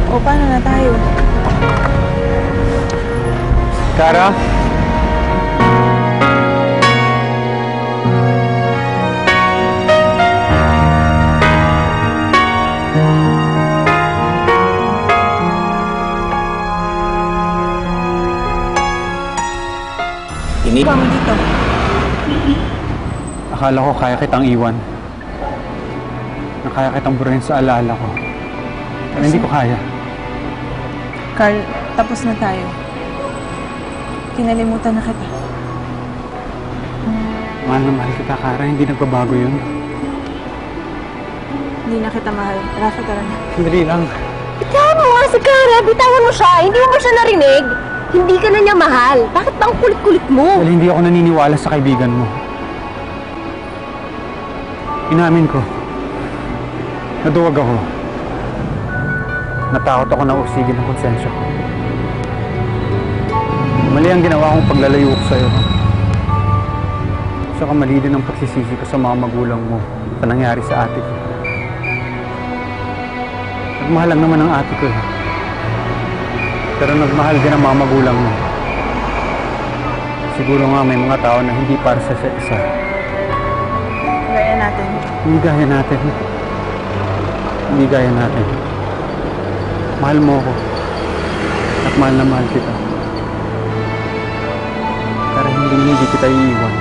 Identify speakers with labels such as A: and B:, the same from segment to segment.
A: O, paano na tayo?
B: Kara? Ini?
A: Ba mo dito?
B: Akala ko kaya kitang iwan. Kaya kitang burin sa alaala ko. Pero hindi ko kaya.
A: Carl, tapos na tayo. Kinalimutan na kita.
B: Mahal na mahal kita, Kara. Hindi nagbabago yun.
A: Hindi na kita mahal. Rafa, tara na.
B: Sandali lang.
C: Bitawan mo nga si Kara. Bitawan mo siya. Hindi mo ba siya narinig? Hindi ka na niya mahal. Bakit ba ang kulit-kulit mo?
B: Dahil hindi ako naniniwala sa kaibigan mo. Inamin ko. Naduwag ako. Natakot ako na usigin ang konsensya ko. Mali ang ginawa kong paglalayo ko sa'yo. Saka mali din ang pagsisisi ko sa mga magulang mo sa nangyari sa ate ko. Nagmahal lang naman ang ate ko. Pero nagmahal din ang mga magulang mo. Siguro nga may mga tao na hindi para sa isa.
A: Gaya natin.
B: Hindi gaya natin. Hindi gaya natin. Mahal mo ako. At mahal na mahal kita. Pero hindi kita iiwan.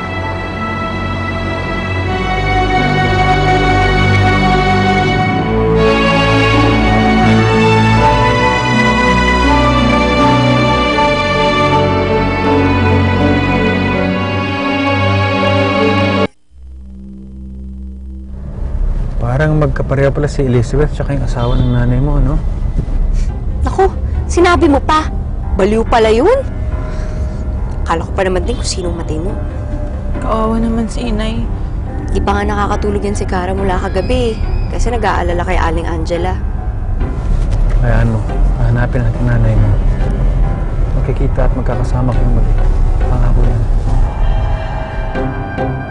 B: Parang magkapareha pala si Elizabeth tsaka yung asawa ng nanay mo, no?
C: Naku, sinabi mo pa. Baliw pala yun. Akala ko pa naman din kung sinong matino.
A: Kawawa naman si inay.
C: Di pa nga nakakatulog yan si Kara mula kagabi. Kasi nag-aalala kay Aling Angela.
B: Kaya ano, hanapin natin nanay mo. Magkikita at magkakasama kayong mag-ina. Pangako yan.